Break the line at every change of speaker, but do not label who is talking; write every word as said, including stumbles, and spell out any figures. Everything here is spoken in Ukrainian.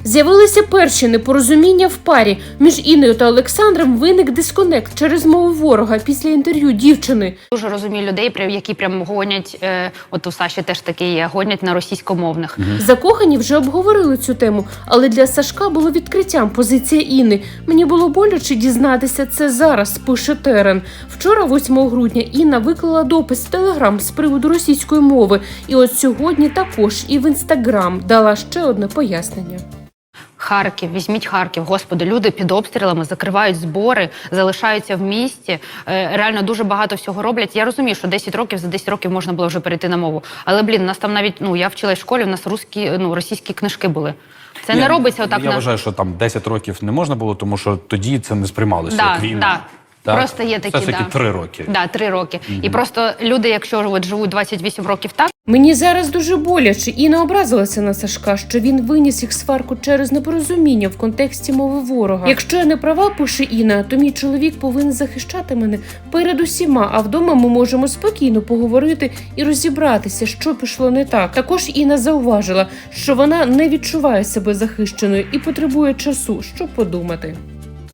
З'явилися перші непорозуміння в парі. Між Інною та Олександром виник дисконект через мову ворога після інтерв'ю дівчини.
Дуже розумію людей, які прям гонять, е, от у Саші теж таке є, гонять на російськомовних.
Угу. Закохані вже обговорили цю тему, але для Сашка було відкриттям позиція Інни. Мені було боляче дізнатися це зараз, пише Терен. Вчора, восьмого грудня, Інна виклала допис в Телеграм з приводу російської мови. І от сьогодні також і в Інстаграм дала ще одне пояснення.
Харків, візьміть Харків, господи, люди під обстрілами закривають збори, залишаються в місті, реально дуже багато всього роблять. Я розумію, що десять років, за десять років можна було вже перейти на мову. Але, блін, у нас там навіть, ну, я вчилась в школі, у нас русські, ну, російські книжки були. Це
я,
не робиться отак.
Я
на...
вважаю, що там десять років не можна було, тому що тоді це не сприймалося
да,
як війна.
Да.
Так?
Просто є такі,
все ж таки
да.
три роки.
Да, три роки. Угу. І просто люди, якщо от живуть двадцять вісім років так.
Мені зараз дуже боляче. Інна образилася на Сашка, що він виніс їх сварку через непорозуміння в контексті мови ворога. Якщо я не права, пише Інна, то мій чоловік повинен захищати мене перед усіма, а вдома ми можемо спокійно поговорити і розібратися, що пішло не так. Також Інна зауважила, що вона не відчуває себе захищеною і потребує часу, щоб подумати.